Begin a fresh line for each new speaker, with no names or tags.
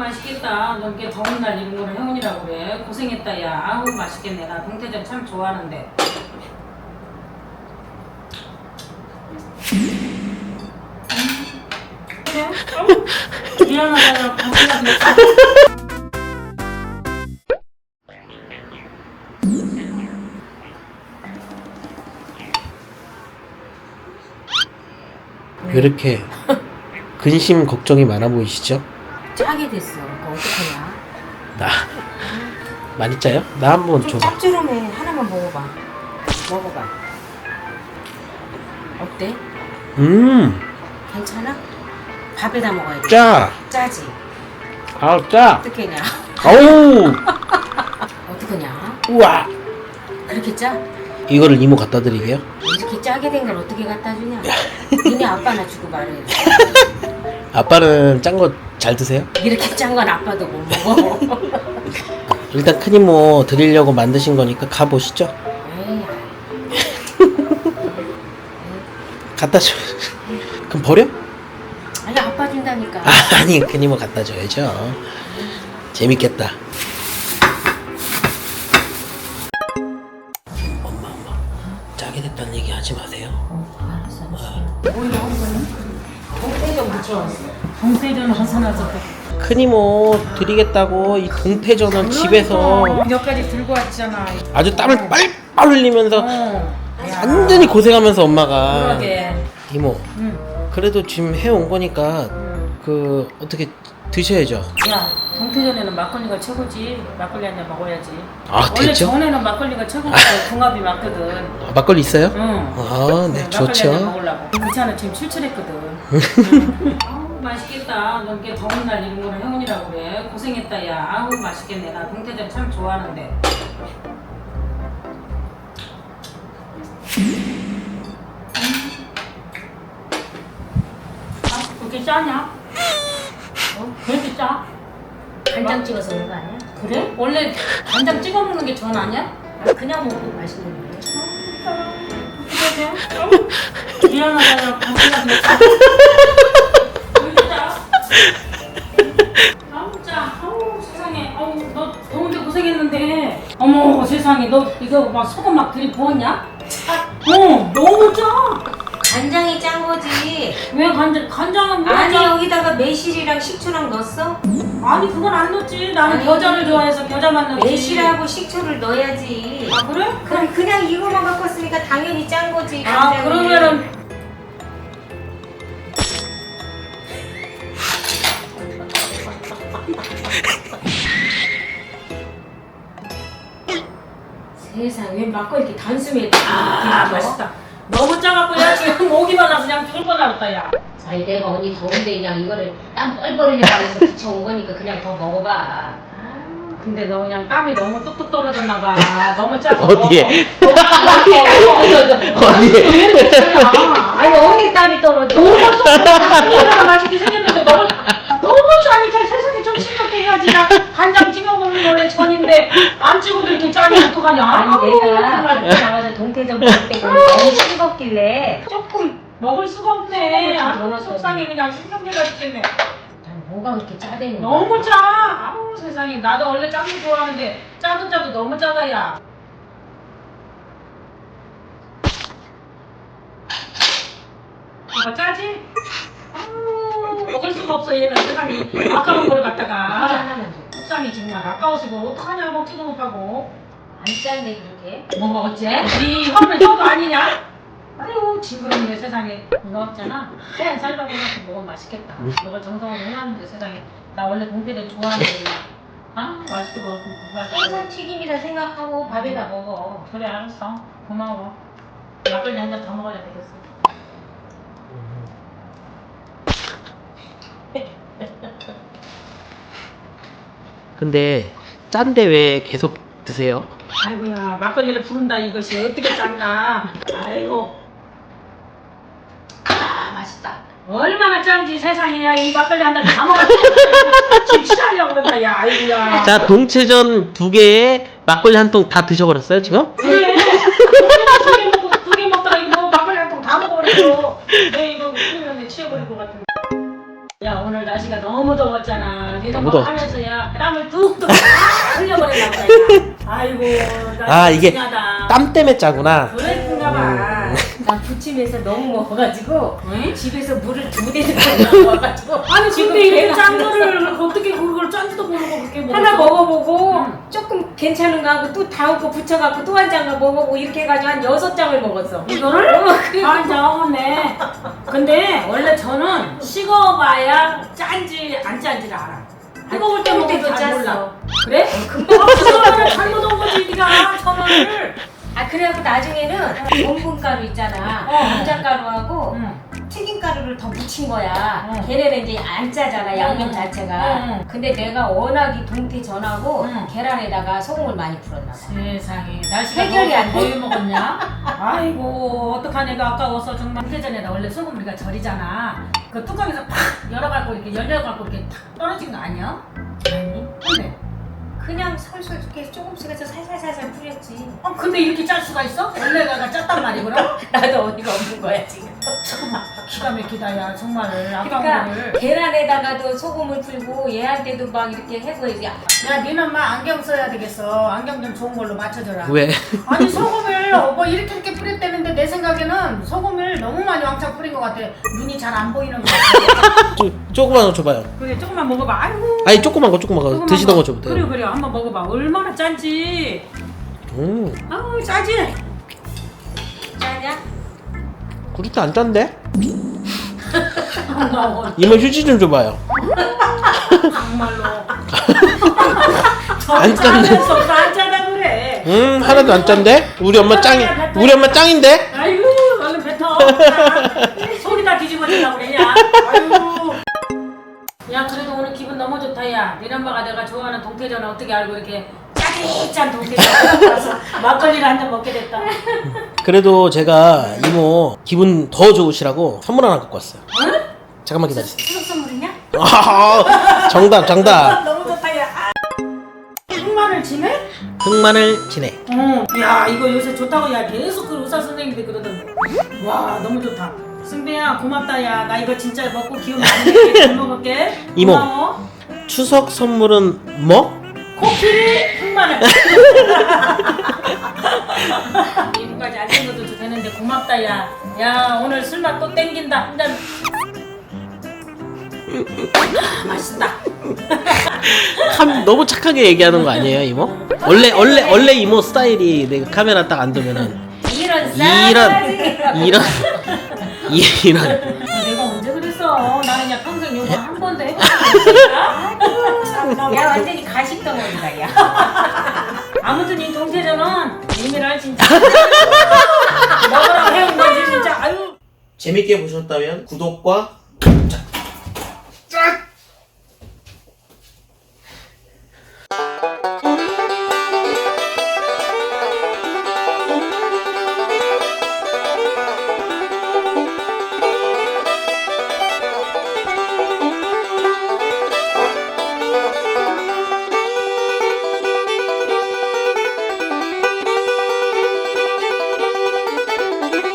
맛있겠다. 너 이렇게 더운 날 이런 거를 행운이라고 그래. 고생했다 야. 아우 맛있겠네. 나 동태전 참 좋아하는데. 그래? 미안하다. 고생하다.
왜 이렇게 근심 걱정이 많아 보이시죠?
짜게 됐어. 그거 어떡하냐?
나 많이 짜요? 나 한번
좀
줘봐.
짭조름해. 하나만 먹어봐. 먹어봐. 어때? 괜찮아? 밥에다 먹어야 돼.
짜.
짜지?
아우 짜.
어떡하냐?
아우.
어떡하냐?
우와.
그렇게 짜?
이거를 이모 갖다 드리게요.
이렇게 짜게 된 걸 어떻게 갖다 주냐? 니네 아빠나 주고 말해.
아빠는 짠 거 잘 드세요?
이렇게 짠 건 아빠도 못 먹어.
일단 큰 이모 드리려고 만드신 거니까 가 보시죠.
에이,
갖다 줘. 그럼 버려?
아니 아빠 준다니까.
아니 큰 이모 갖다 줘야죠. 재밌겠다. 엄마 짜게 됐다는 얘기 하지 마세요.
알았어. 오히려 동태전 붙여왔어. 동태전 하사나서
큰 이모 드리겠다고 이 동태전은 집에서
몇 가지 들고 왔잖아.
아주 땀을 빨빨 흘리면서
야,
완전히 고생하면서 엄마가
그러게.
이모 그래도 지금 해온 거니까 그 어떻게 드셔야죠.
야, 동태전에는 막걸리가 최고지. 막걸리 한 잔 먹어야지.
아,
원래
됐죠?
전에는 막걸리가 최고고 궁합이 맞거든.
아, 막걸리 있어요?
응.
아, 네,
막걸리 한 잔
좋죠.
먹으려고. 그 차는 지금 출출했거든. 아우 맛있겠다. 너 이렇게 더운 날 이런 거를 행운이라고 그래. 고생했다 야. 아우 맛있겠네. 나 동태전 참 좋아하는데. 아, 그렇게 짜냐? 왜 이렇게 짜?
간장 찍어서 먹는 거 아니야?
그래? 원래 간장 찍어 먹는 게 전 아니야?
아, 그냥 먹어도 맛있는데.
그래? 미안하다. 고생하다. 왜 짜? 아우 짜. 아우 세상에. 아우 너 더운데 고생했는데. 어머 세상에 너 이거 막 소금 막 들이부었냐? 너무 짜.
간장이 짠 거지.
왜 간장은 왜
아니
짜?
여기다가 매실이랑 식초랑 넣었어?
아니 그건 안 넣었지. 나는
아니,
겨자를 좋아해서 겨자만 넣지.
매실하고 식초를 넣어야지.
아 그래?
그럼 그냥 이거만 갖고 왔으니까 당연히 짠 거지.
아
간장이.
그러면은
세상에 왜 막걸리 이렇게 단숨에
아 맛있다. 너무 짜갖고 야 지금 오기만 하고 그냥 죽을 뻔하겠다 야.
아니 내가 언니 더운데 그냥 이거를 땀 뻘뻘 흘려고 해서 붙여온 거니까 그냥 더 먹어봐.
근데 너 그냥 땀이 너무 뚝뚝 떨어졌나 봐. 너무 짜고.
어디에?
아니 언니 땀이 떨어져.
얼마나 맛있게 생겼는데 너무 짜니까 세상에 좀 싱겁게 해야지. 나 간장 찍어 먹는 거 원래 전인데 안 찍어도 이렇게 짜니 어떡하냐.
아니 내가
정말
나가서 동태전 먹을 때 너무 싱겁길래
조금 먹을 수가 없네. 아,
조금
속상해 그냥 신경질나 죽겠네.
뭐가 그렇게 짜대는 거야?
너무 짜. 아우 세상에 나도 원래 짠 거 좋아하는데 짜도 너무 짜다 야. 이거 짜지? 아우 먹을 수가 없어 얘는 세상에 아까운 걸 갖다가
하나만 줘.
속상해 정말 아까워서 이거 어떡하냐 먹지도 못하고.
안 짠데 그렇게?
뭐 어째? 네 혀는 혀도 아니냐? 아유 징그럽네 세상에. 이거 없잖아. 그냥 살밥에 넣고 먹으면 맛있겠다. 이걸 정성으로 해놨는데 세상에. 나 원래 동태를 좋아하는데 그냥. 아 맛있게 먹고
생선 튀김이라 생각하고 밥에다 먹어.
그래 알았어. 고마워. 막걸리 한 잔 더 먹어야 되겠어.
근데 짠데 왜 계속 드세요?
아이고야 막걸리를 부른다 이것이 어떻게 짠가. 아이고.
아 맛있다.
얼마나 짠지 세상에. 야, 이 막걸리 한 잔 다 먹었어. 지금 취하려고 그런다 야. 아이고야.
자, 동체전 2개에 막걸리 한 통 다 드셔버렸어요 지금?
그래. 두개 먹다가 이거 막걸리 한 통 다 먹어버렸어. 내 이거 그러면 취해버릴 것 같은데. 야 야 오늘 날씨가 너무 더웠잖아. 니도
너무
뭐
더웠지.
하면서야 땀을 뚝뚝 흘려버렸나 보다. 야. 아이고
아, 이게
중요하다.
땀 때문에 짜구나.
그랬는가 봐.
난 부침에서 너무 먹어가지고
응?
집에서 물을 2대를 먹어가지고
아니
지금
근데 이렇게
계란
짠 거를 어떻게 그걸 짠지도 모르고 그렇게 먹었어?
하나 먹어보고
응.
조금 괜찮은 거 하고 또 다음 거 붙여갖고 또 한 장을 먹어보고 이렇게 해가지고 한 6장을 먹었어.
이거를?
그래.
아, 적었네. 근데 원래 저는 식어봐야 짠지 안 짠지를 알아. 뜨거울 때 먹을
때도
때잘
짰어.
몰라. 그래? 금방 식어봐야 잘못 온 거지, 니가 천원을.
아 그래갖고 나중에는 전분가루 있잖아. 감자가루하고
응.
튀김가루를 더 묻힌 거야.
응.
걔네는 이제 안 짜잖아 양념
응.
자체가.
응.
근데 내가 워낙이 동태전하고
응.
계란에다가 소금을 많이 풀었나 봐.
세상에 날씨가
해결이 안 돼.
거의 먹었냐? 아이고 어떡하냐 이거 아까워서 정말 동태전에다 원래 소금 우리가 절이잖아. 그 뚜껑에서 팍 열어갖고 이렇게 열려갖고 이렇게 탁 떨어진 거 아니야? 아니 근데
그냥 솔솔 이렇게 조금씩 해서 살살살살 뿌렸지.
근데 이렇게 짤 수가 있어? 원래 내가 짰단 말이 그럼?
나도 어이가 없는 거야 지금.
잠깐만 기가 막히다 야 정말 아까운
그러니까
거를.
계란에다가도 소금을 풀고 얘한테도 막 이렇게 해서 이제
야 니는 막 안경 써야 되겠어. 안경 좀 좋은 걸로 맞춰줘라.
왜?
아니 소금을 뭐 이렇게 뿌렸다는데 내 생각에는 소금을 너무 많이 왕창 뿌린 것 같아. 눈이 잘 안 보이는 것 같아.
조그만 거 줘봐요.
그래 조금만 먹어봐. 아이고.
아니 조그만 거
조금만
드시던 거
먹어.
줘도 돼요.
그래 그래 한번 먹어봐. 얼마나 짠지. 아우 짜지.
짜냐?
그렇게 안 짠데?
정말로.
이모 휴지 좀 줘봐요. 안 짠데.
안 짜다 그래.
하나도 안 짠데? 우리 엄마 짱인데?
아이고 얼른 뱉어. 속이 다 뒤집어지려고 그러냐. 아이고. 야 그래도 오늘 기분 너무 좋다 야. 니네 엄마가 내가 좋아하는 동태전을 어떻게 알고 이렇게 짜릿짠 동태전 와서 막걸리를 한 잔 먹게 됐다.
그래도 제가 이모 기분 더 좋으시라고 선물 하나 갖고 왔어요.
응?
잠깐만 기다리세요.
추석 선물이냐?
아, 정답.
너무 좋다 야. 흑마늘 지네?
흑마늘 진해.
야 이거 요새 좋다고 야 계속 그 의사 선생님들이 그러던데. 와 너무 좋다. 승배야 고맙다 야. 나 이거 진짜 먹고 기운 많이 내게 잘 먹을게.
이모.
고마워.
추석 선물은 뭐?
코끼리 흑마늘. 이거까지 안 챙겨도 되는데 고맙다 야. 야 오늘 술맛 또 땡긴다 한 잔. 맛있다.
너무 착하게 얘기하는 거 아니에요 이모? 원래 이모 스타일이 내가 카메라 딱 안 두면은
이런
내가 언제 그랬어? 나는 그냥 평생 요거 한 번도 해본 적이 없어.
야 완전히 가식 덩어리다 야.
아무튼 이 동태전은 예민할 진짜. 먹으라고 해온 거지 진짜. 아유.
재밌게 보셨다면 구독과